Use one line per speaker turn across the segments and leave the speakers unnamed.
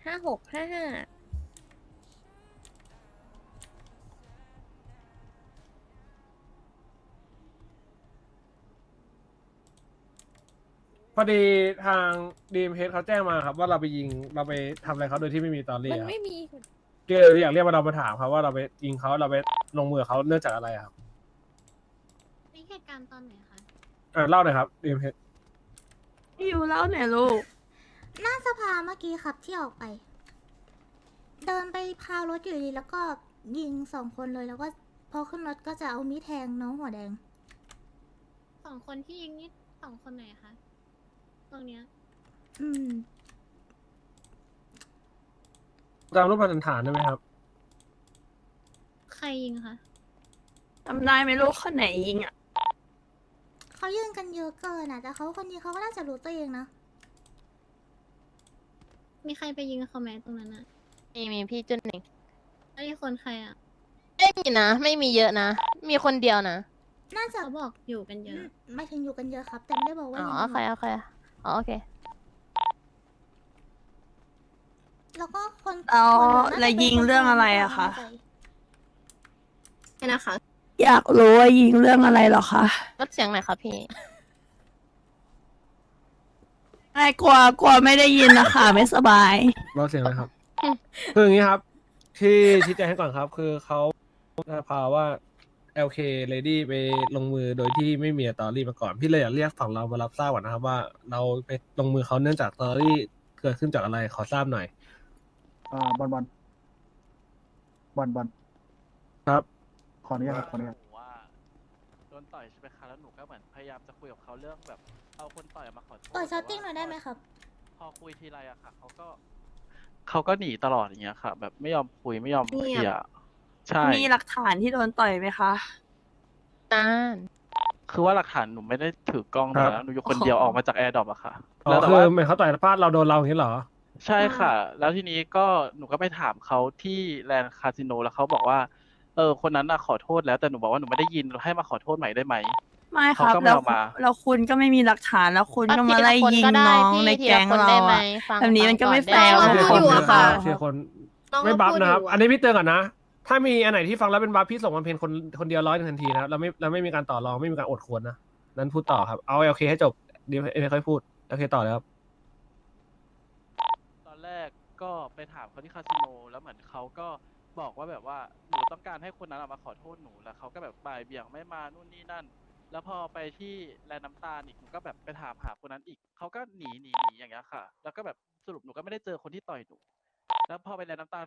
5655
พอดีทางดีมเฮดเขาแจ้งมาครับว่าเราไปยิงเราไปทำอะไรเขาโดยที่ไม่มีตอรี่
มัน
ครับ
ไม่มี
ก็เลยอยากเรียกว่าเรามาถามครับว่าเราไปยิงเขาเราไปลงมือเขาเนื่องจากอะไรครับ
นี่เหตุการณ์ตอนไหนคะ
เล่าหน่อยครับดีมเฮด
พี่ยูเล่าหน่อยลูก
หน้าสภาเมื่อกี้ครับที่ออกไป เดินไปพาวรถอยู่ดีแล้วก็ยิง2 คนเลยแล้วก็พอขึ้นรถก็จะเอามีดแทงน้องหัวแดง2 คนที่ยิงนี่2 คนไหนคะตรงเนี้ยอืม
จำรูปพันฐานได้ไหมครับ
ใครยิงคะ
จำได้ไหมลูกคนไหนยิงอ่ะ
เขายิงกันเยอะเกินแต่เขาคนนี้เขาก็น่าจะรู้ตัวเองนะ มีใครไปยิงเขาไหมตรงนั้นอะ
มีพี่จุนหนึ่ง
แล้วนี่คนใครอะ
ไม่มีนะ ไม่มีเยอะนะ มีคนเดียวนะ
น่าจะเขาบอกอยู่กันเยอะ ไม่ถึงอยู่กันเยอะครับ แต่ไม่ได้บอกว่า
อ๋อ
ยิง
โอเคโอเคอ๋อโอเค
แล้วก็คน
อ๋อ
คนน่าจะ
แล้วยิงเรื่องอะไรอะคะ
ไม่นะคะ
อยากรู้ว่ายิงเรื่องอะไรเหรอคะ
ลดเสียงหน่อยครับพี่
ไม่กลัวไม่ได้ยินนะคะไม่สบาย
เราเสียงอะไรครับ คืออย่างนี้ครับ ที่ชี้แจงให้ก่อนครับ คือเขาพาว่า LK Lady ไปลงมือโดยที่ไม่มีตอรี่มาก่อน พี่เลยอยากเรียกฝั่งเรามารับทราบก่อนนะครับว่าเราไปลงมือเขาเนื่องจากตอรี่เกิดขึ้นจากอะไรขอทราบหน่อย
บอล
ครับ
ขออนุญาตครับขออนุญาต
หนูว่าโดนต่อยใช่ไหมคะแล้วหนูก็เหมือนพยายามจะคุยกับเขาเรื่องแบบเอาคนต่อยมาขอโทษ
ต่อยช้อตติ้งหน่อยได้ไหมครับ
พอคุยทีไรอะค่ะเขาก็หนีตลอดอย่างเงี้ยค่ะ แบบไม่ยอมคุยไม่ยอมเคลียร์ใช่
มีหลักฐานที่โดนต่อยไหมคะ
นาน
คือว่าหลักฐานหนูไม่ได้ถือกล้อง
ครับ
นะหนูอยู่คนเดียวออกมาจากแอร์ดรอปอะค่ะ
อ๋
แล้
อ
วแต่
คือ
ว่า
เหมือนเขาต่อยพลาดเราโดนเราอย่างนี้เหรอ
ใช่ค่ะ แล้วทีนี้ก็หนูก็ไปถามเขาที่แลนด์คาสิโนแล้วเขาบอกว่าคนนั้นน่ะขอโทษแล้วแต่หนูบอกว่าหนูไม่ได้ยินให้มาขอโทษใหม่ได้ไหม
ไม่ครับ
เขาก็ไม่
แล้ว
เอามา
แล้วคุณก็ไม่มีหลักฐานแล้วคุณก็มา
ที
ไล่
ละคน
ยิง
ก็ได้
น้อง
พี่
ใน
ที
แก๊
ละ
ง
คน
เรา
ได้ไหม
อะ
ฟัง
แบบนี้มันก็ไม่
ฟัง
แฟร์
ก่อน
เชีย
ได้
ร์
ไหม
คน
อยู่อะค่ะ
เชียร์คน
น้อง
ไม่บัฟ
พูด
นะครับ
อยู่อะ
อันนี้พี่เตือนก่อนนะ ถ้ามีอันไหนที่ฟังแล้วเป็นบัฟพี่ส่งมาเพนคนเดียว100ทันทีนะครับเราไม่มีการต่อรองไม่มีการอดควรนะนั้นพูดต่อครับเอาโอเคให้จบเดี๋ยวค่อยพูดโอเคต่อเลยครับ
ตอนแรกก็ไปถามเขาที่คาสิโนแล้วเหมือนเขาก็บอกว่าแบบว่าหนูต้องการให้คนนั้นมาขอโทษหนูแล้วเขาก็แบบบ่ายเบี่ยงไม่มานู่นนี่นั่น แล้วพอไปที่แลนด์น้ำตาลอีกหนูก็แบบไปถามหาคนนั้นอีกเขาก็หนีอย่างเงี้ยค่ะ แล้วก็แบบสรุปหนูก็ไม่ได้เจอคนที่ต่อยหนู แล้วพอไปแลนด์น้ำตาล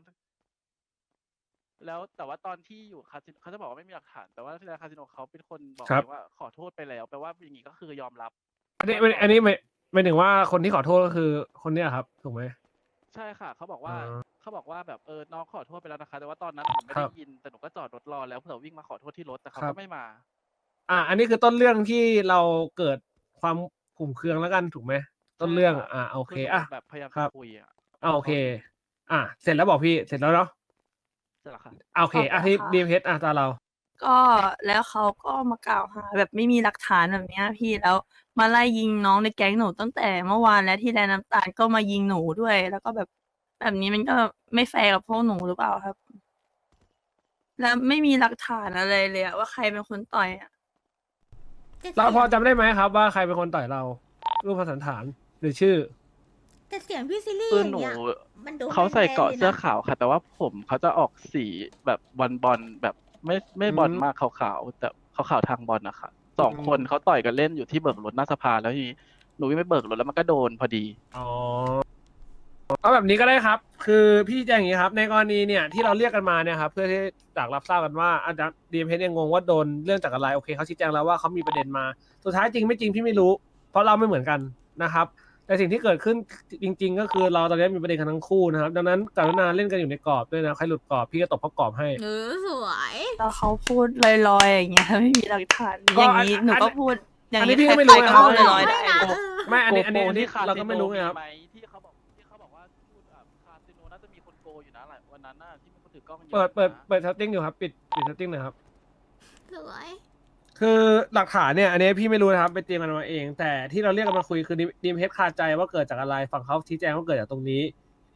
แล้วแต่ว่าตอนที่อยู่คาสิโนเขาจะบอกว่าไม่มีหลักฐาน แต่ว่าที่แลนด์คาสิโนเขาเป็นคนบอก
ครับ
เองว่าขอโทษไปแล้วแปลว่าอย่างงี้ก็คือยอมรับ
อันนี้หมายถึงว่าคนที่ขอโทษก็คือคนเนี้ยครับถูกไหม
ใช่ค่ะเขาบอกว่า
อ๋อ
เขาบอกว่าแบบน้องขอโทษไปแล้วนะคะ แต่ว่าตอนนั้นหนูไม่
ครั
ได้
บ
ยินแต่หนูก็จอดรถรอแล้วเผื่อวิ่งมาขอโทษที่รถแต่เขา
ครั
ก็
บ
ไม่มา
อันนี้คือต้นเรื่องที่เราเกิดความขุ่มเคืองแล้วกันถูกไหมต้นเรื่อง
ใช่ค่ะ
โอเค
คือหนู
อ่ะ
แบบพยายาม
ครั
จะ
บ
คุยอ่ะ
โอเค เสร็จแล้วบอกพี่เสร็จแล้วเนาะ
ใช่หรอคะ
โอเคที่ดีมเฮดตาเรา
ก็แล้วเขาก็มากล่าวหาแบบไม่มีหลักฐานแบบเนี้ยพี่แล้วมาไล่ยิงน้องในแก๊งหนูตั้งแต่เมื่อวานแล้วที่แลน้ำตาลก็มายิงหนูด้วย แล้วก็แบบนี้มันก็ไม่แฟร์กับพวกหนูหรือเปล่าครับ แล้วไม่มีหลักฐานอะไรเลยอะว่าใครเป็นคนต่อยอะ
เราพอจำได้ไหมครับว่าใครเป็นคนต่อยเรา รูปพรรณสันฐานหรือชื่อ
แต่เสียงพี่ซิลลี่
คือ
อย่าง
หนู
เงี้ยมันดู
เขาใส่เกราะ
แมนๆลยนะ
เสื้อขาวค่ะ แต่ว่าผมเขาจะออกสีแบบบอลแบบไม่บอล
อืม
มากขาวๆแต่ขาวๆทางบอลนะคะ2 คนเขาต่อยกันเล่นอยู่ที่เบิกรถหน้าสภาแล้วทีนี้หนูวิ่งไปเบิกรถแล้วมันก็โดนพอดี
อ๋อเอาแบบนี้ก็ได้ครับ คือพี่แจ้งอย่างนี้ครับ ในกรณีเนี่ยที่เราเรียกกันมาเนี่ยครับเพื่อที่จากรับทราบกันว่าอาจารย์ดีเอ็มเยังงงว่าโดนเรื่องจากอะไรโอเคเขาชี้แจงแล้วว่าเขามีประเด็นมาสุดท้ายจริงไม่จริงพี่ไม่รู้ เพราะเราไม่เหมือนกันนะครับ แต่สิ่งที่เกิดขึ้นจริง ๆ ก็คือเราตอนนี้มีประเด็นกันทั้งคู่นะครับ ดังนั้นกรุณาเล่นกันอยู่ในกรอบด้วยนะใครหลุดกรอบพี่ก็ตบเขากรอบให้
สวย
แล้วเขาพูดลอยๆอย่างเงี้ยไม่มีหลักฐาน
ก็
อย่างนี้
อัน
หนูก็พูดอย่าง
อันนี้
นี้
พี่ก็ไม่
ใค
รู้
รๆก็
นะครับ
พูดลอยๆได้
ไม่นะ
ไม่อันนี้
โกที่ค
เราก็ไม่รู้ไงครับ
หมที่เขาบอกว่าพูดคาสิโนน่าจะมีคนโกอยู่นะหลายวันนั้นน่ะที่มีคนถือกล้องเยอะ
เปิด
นะ
เทัตติ้งอยู่ครับปิดทัตติ้งหน่อยครับ
สวย
คือหลักฐานเนี่ยอันนี้พี่ไม่รู้นะครับไปเตรียมกันมาเอง แต่ที่เราเรียกกันมาคุยคือดีมเฮดคาใจว่าเกิดจากอะไรฝั่งเขาชี้แจงว่าเกิดจากตรงนี้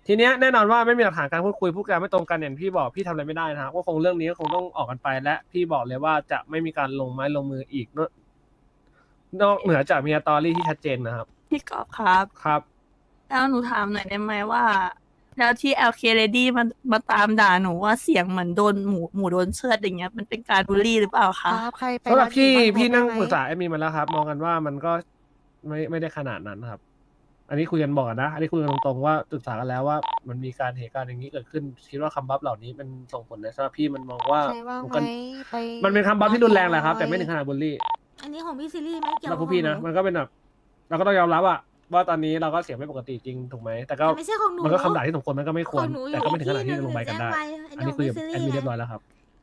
ทีเนี้ยแน่นอนว่าไม่มีหลักฐานการพูดคุยพูดกันไม่ตรงกันอย่างพี่บอกพี่ทำอะไรไม่ได้นะครับก็คงเรื่องนี้ก็คงต้องออกกันไปและพี่บอกเลยว่าจะไม่มีการลงไม้ลงมืออีกนอกเหนือจากมีสตอรี่ที่ชัดเจนนะครับ
พี่กอบครับ
ครับ
แล้วหนูถามหน่อยได้ไหมว่า แล้วที่ LK Lady มาตามด่าหนูว่าเสียงเหมือนโดนหมูโดนเชือดอย่างเงี้ยมันเป็นการบูลลี่หรือเปล่า
ค
คะ
รับใครไป
สำหรับ
ร้านหมู
พี่
บ้า
นั่ง
ผม
ปรึกษา
ได้ไหม
แอดมินมาแล้วครับ มองกันว่ามันก็ไม่ได้ขนาดนั้นครับ อันนี้คุยกันบอกนะ อันนี้คุยกันตรงๆว่าปรึกษากันแล้วว่ามันมีการเหตุการณ์อย่างนี้เกิดขึ้น คิดว่าคำบัฟเหล่านี้มันส่งผลในสำหรับพี่มันมองว่า
ใครว่าง
มัน
ไหม
ก็
ไป
มันเป็นคำบัฟที่รุนแรงแหละครับ แต่ไม่ถึงขนาดบูลลี่
อันนี้ของพี่ซิลลี่ไม่เกี่ยว
สำหรับ
กับ
พวกพี่นะ
ของห
มันก็เป็นแบบเราก็ต้องยอมรับว่าตอนนี้เราก็เสียงไม่ปกติจริงถูกไหมแต่ก็
แต่ไม่ใช่ของหนู
มันก็คำด่าที่สมควรมันก็ไม่คว
ข
ร
องหนูอยู่
แต่ก็ไม่ถึงขนาดที่
ที่
จะลงใบกันได้
หนึ่ง
อันนี้คุยกับ
แจ้งไป
แอดมิน
อันนี้ของ
เรียบร้อยแล้วครับ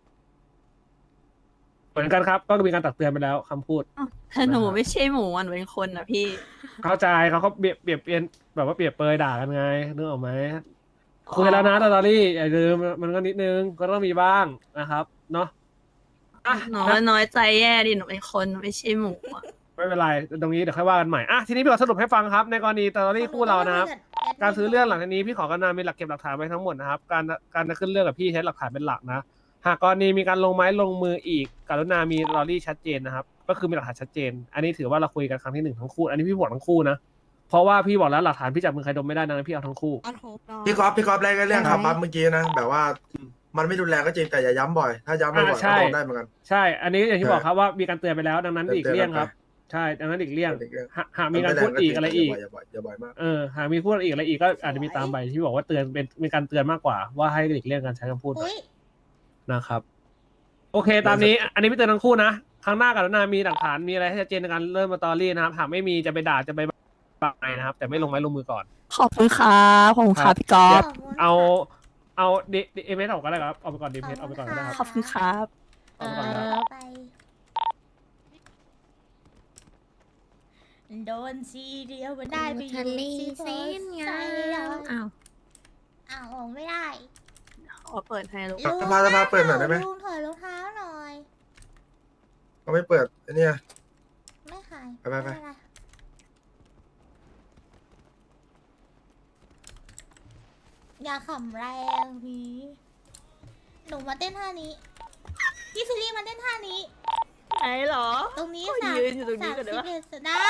เหมือนกันครับ ก็มีการตักเตือนไปแล้วคำพูด
แต่หนูไม่ใช่หมูหนูเป็นคนนะพี่
เข้าใจเขาเปรียบเปรียนแบบว่าเปรียบเปยด่ากันไงนึกออกไหมคุยแล้วนะตอรี่อย่าลืมมันก็นิดนึงก็ต้องมีบ้างนะครับเนาะอ่ะ
หนูว่าน้อยใจแย่ดิหนูเป็นคนไม่ใช่หมูอะ
ไม่เป็นไรตรงนี้เดี๋ยวค่อยว่ากันใหม่อ่ะทีนี้พี่ขอสรุปให้ฟังครับ ในกรณีตอรี่คู่เรานะครับ การซื้อเรื่องหลังจากนี้พี่ขอกรุณามีหลักเก็บหลักฐานไว้ทั้งหมดนะครับการจะขึ้นเรื่องกับพี่ใช้หลักฐานเป็นหลักนะหากกรณีมีการลงไม้ลงมืออีกกรุณามีลอรี่ชัดเจนนะครับก็คือมีหลักฐานชัดเจน อันนี้ถือว่าเราคุยกันครั้งที่หนึ่งทั้งคู่อันนี้พี่บอกทั้งคู่นะเพราะว่าพี่บอกแล้วหลักฐานพี่จับมือใครดมไม่ได้ดังนั้นพี่เอาทั้งคู่
อันโฮปเนาะ
พี่ก๊อฟแรกก็เรื่อง
ได้
ขับปั๊บเมื่อกี้นะ แบบว่ามันไม่รุนแรงก็จริงแต่อย่าย้ำบ่อย ถ้าย้ำบ่อยๆ
ใช่
ก็โดนได้เหมือนกัน
ใช่ อันนี้อย่างที่บอกครับว่ามีการเตือนไปแล้วดังนั้นอีกเลี่ยงครับ ใช่ดังนั้นอีกเลี่ยงหากมีการพูดอีกอะไรอีก
อย่าบ่อยมาก
หากมีพูดอีกอะไรอีกก็อาจจะมีตามใบที่บอกว่าเตือนเป็นการเตือนมากกว่าว่าให้หลีกเลี่ยงการใช้คำพูด
อุ้ย
นะครับ โอเค ตามนี้ อันนี้พี่เตือนทั้งคู่นะครั้งหน้ากับนามีหลักฐานมีอะไรให้ชัดเจนในการเริ่มมาตอรี่นะครับหากไม่มีจะไปด่าจะไปบังนะครับ แต่ไม่ลงไม้ลงมือก่อน
ขอบคุณครับขอบคุณครับพี่กอ
ครั
ฟ
บ เอาเอเมสออกก็ได้ครับเอาไปก่อนดีเมสเอาไปก่อนก็ได้ครับ
ขอบคุณครับ
เอาไปก่อนนะครับ
ไปโดนทีเดียวมันได้ไปอยู่ที่เส้นไง
อ้าว
อ้าวออกไม่ได้
ขอเปิดให้ลูก
สภาเปิดหน่อยได้ไหม
ลุงถอยรองเท้าหน่อย
เขาไม่เปิดไอ้เนี่ย
ไม่ขาย
ไป
ม่เป็นรอย่าขำแรงพี่หนูมาเต้นท่านี้พี่ซิลลี่มาเต้นท่านี้
ไหนเหรอ
ตรงนี้
โอ้ย
สาม
ยืนอยู่ตรงนี้ก่อนได้ปะ
31ได้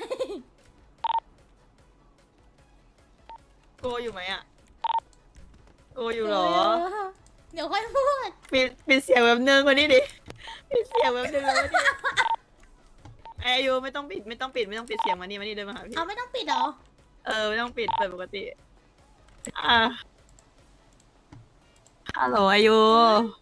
โกอยู่ไหมอ่ะโกอยู่เหรอ
เดี๋ยวค่อยพูด
ปิดเสียงแบบนึงกว่านี้ดิปิดเสียงแบบนึงกว่านี้ไออายุไม่ต้องปิดเสียงมานี่เดินมาหาพี่
เอาไม่ต้องปิดเหรอ
ไม่ต้องปิดเปิดปกติฮัลโหลอายุ